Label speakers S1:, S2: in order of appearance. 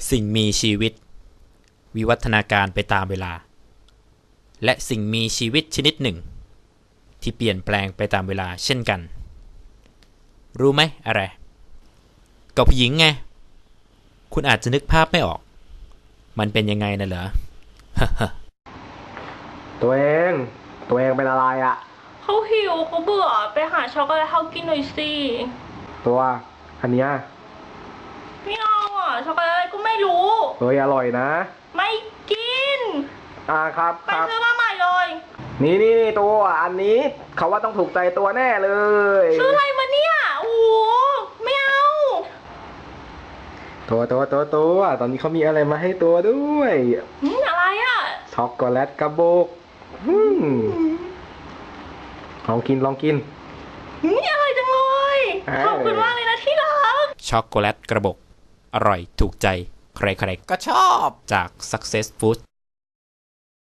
S1: สิ่งมีชีวิตวิวัฒนาการไปตามเวลาและสิ่งมีชีวิตชนิดหนึ่งที่เปลี่ยนแปลงไปตามเวลาเช่นกันรู้ไหมอะไรก็ผู้หญิงไงคุณอาจจะนึกภาพไม่ออกมันเป็นยังไงน่ะเหรอ
S2: ตัวเองเป็นอะไรอ่ะ
S3: เขาหิวเขาเบื่อไปหาช็อกโกแลตเขากินหน่อยสิ
S2: ตัวอันเนี้ย
S3: ไม่เอาอ่ะช็อกโกแลตก็ไม่รู้
S2: อร่อยนะ
S3: ไม่กิน
S2: ครับ
S3: ไปซื้อมาใหม่เลย
S2: นี่ตัวอันนี้เขาว่าต้องถูกใจตัวแน่เลย
S3: ซื้ออะไรมาเนี่ยโอ้ไม่เอา
S2: ตัวตอนนี้เขามีอะไรมาให้ตัวด้วย
S3: อะไรอ่ะ
S2: ช็อกโกแลตกระบอกลองกิน
S3: อะไรจังเลยขอบคุณมากเลยนะที่รัก
S1: ช็อกโกแลตกระบอกอร่อยถูกใจใครๆก็ชอบจาก Success Food